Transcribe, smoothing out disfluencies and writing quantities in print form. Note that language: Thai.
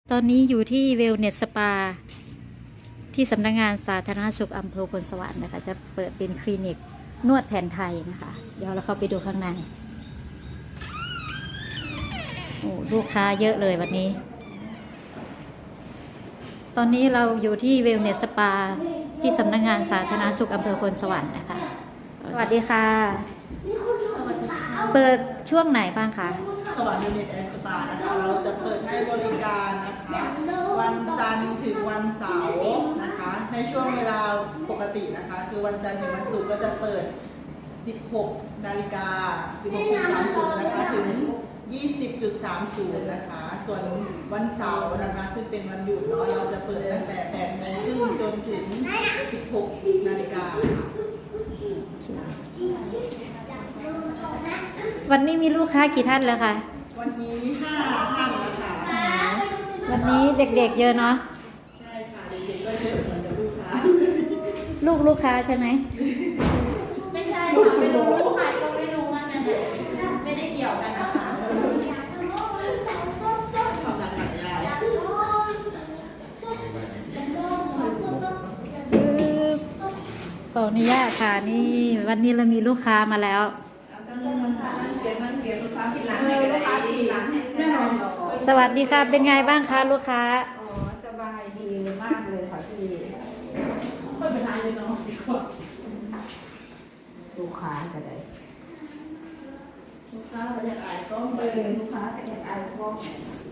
ตอนนี้อยู่ที่เวลเนสสปาที่สำนักงานสาธารณสุขอำเภอพลสวรรค์นะคะจะเปิดเป็นคลินิกนวดแผนไทยนะคะเดี๋ยวเราเข้าไปดูข้างในโอ้ลูกค้าเยอะเลยวันนี้ตอนนี้เราอยู่ที่เวลเนสสปาที่สำนักงานสาธารณสุขอำเภอพลสวรรค์นะคะสวัสดีค่ะเปิดช่วงไหนบ้างคะสวัสดีเน็ตแอนด์สปานะคะเราจะเปิดให้บริการนะคะวันจันทร์ถึงวันเสาร์นะคะในช่วงเวลาปกตินะคะคือวันจันทร์ถึงวันศุกร์ก็จะเปิด 16 นาฬิกา 16:30 นะคะถึง 20:30 นะคะส่วนวันเสาร์นะคะซึ่งเป็นวันหยุดเนาะเราจะเปิดตั้งแต่ 8 โมงครึ่งจนถึง 16 นาฬิกาวันนี้มีลูกค้ากี่ท่านแล้วคะวันนี้5 ท่านแล้วค่ะวันนี้เด็กๆเยอะเนาะใช่ค่ะเด็กๆก็เยอะเหมือนกับลูกค้าลูกค้าใช่ไหมไม่ใช่ค่ะไม่รู้ลูกใครก็ไม่รู้มันนะไม่ได้เกี่ยวกันนะคะความรักของยายขออนุญาตค่ะนี่วันนี้เรามีลูกค้ามาแล้วสวัสดีค่ะเป็นไงบ้างคะลูกค้าอ๋อสบายดีมากเลยค่ะพี่ค่อยไปทานเลยเนาะดีกว่าลูกค้าก็ได้ลูกค้าจะอยากอายกล้องลูกค้าจะอยากอายกล้อง